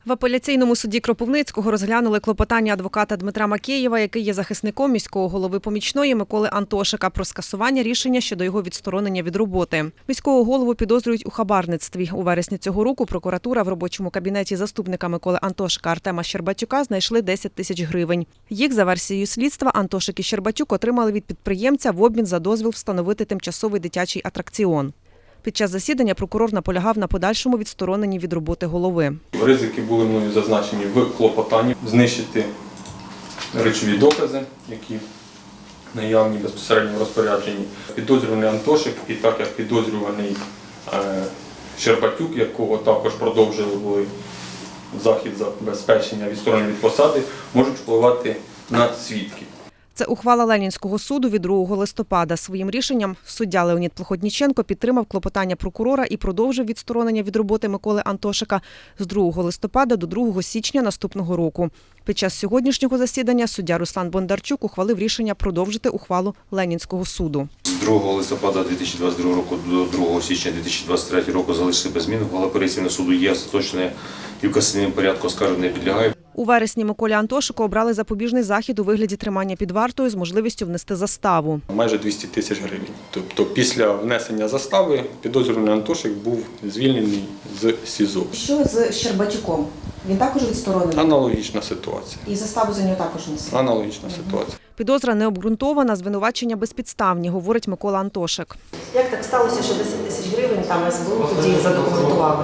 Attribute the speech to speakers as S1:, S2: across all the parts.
S1: В апеляційному суді Кропивницького розглянули клопотання адвоката Дмитра Макеєва, який є захисником міського голови помічної Миколи Антошика, про скасування рішення щодо його відсторонення від роботи. Міського голову підозрюють у хабарництві. У вересні цього року прокуратура в робочому кабінеті заступника Миколи Антошика Артема Щербатюка знайшли 10 тисяч гривень. Їх, за версією слідства, Антошик і Щербатюк отримали від підприємця в обмін за дозвіл встановити тимчасовий дитячий атракціон. Під час засідання прокурор наполягав на подальшому відстороненні від роботи голови.
S2: Ризики були мною зазначені в клопотанні. Знищити речові докази, які наявні безпосередньо в розпорядженні. Підозрюваний Антошик і так як підозрюваний Щербатюк, якого також продовжили захід забезпечення відсторонення від посади, можуть впливати на свідків.
S1: Це ухвала Ленінського суду від 2 листопада. Своїм рішенням суддя Леонід Плохотніченко підтримав клопотання прокурора і продовжив відсторонення від роботи Миколи Антошика з 2 листопада до 2 січня наступного року. Під час сьогоднішнього засідання суддя Руслан Бондарчук ухвалив рішення продовжити ухвалу Ленінського суду.
S3: З 2 листопада 2022 року до 2 січня 2023 року залишили без змін. Ухвала апеляційного суду є остаточною і в касаційному порядку оскарження не підлягає.
S1: У вересні Миколі Антошику обрали запобіжний захід у вигляді тримання під вартою з можливістю внести заставу.
S2: Майже 200 тисяч гривень. Тобто після внесення застави підозрюваний Антошик був звільнений з СІЗО.
S1: Що з Щербатюком? Він також відсторонений?
S2: Аналогічна ситуація.
S1: І заставу за нього також несе?
S2: Аналогічна ситуація.
S1: Підозра не обґрунтована, звинувачення безпідставні, говорить Микола Антошик.
S4: Як так сталося, що 10 тисяч гривень там СБУ тоді задокументували?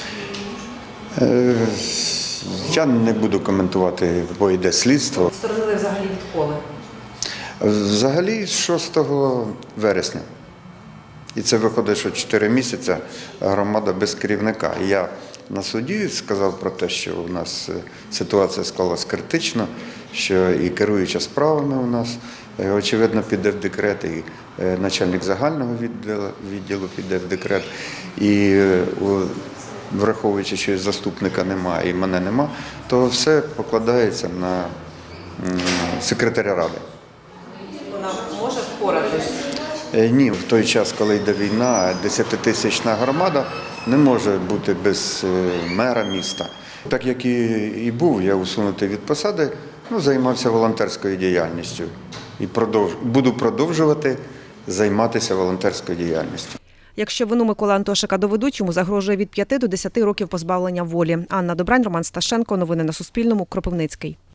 S5: Я не буду коментувати, бо йде слідство.
S4: Відсторонили взагалі відколи?
S5: Взагалі 6 вересня. І це виходить, що 4 місяці громада без керівника. Я на суді сказав про те, що у нас ситуація склалась критично, що і керуюча справами у нас, очевидно, піде в декрет, і начальник загального відділу піде в декрет. І враховуючи, що заступника немає і мене нема, то все покладається на секретаря ради.
S4: Вона може впоратись?
S5: Ні, в той час, коли йде війна, 10-тисячна громада не може бути без мера міста. Так як і був, я усунутий від посади, займався волонтерською діяльністю і буду продовжувати займатися волонтерською діяльністю.
S1: Якщо вину Миколи Антошика доведуть, йому загрожує від 5 до 10 років позбавлення волі. Анна Добрань, Роман Сташенко. Новини на Суспільному. Кропивницький.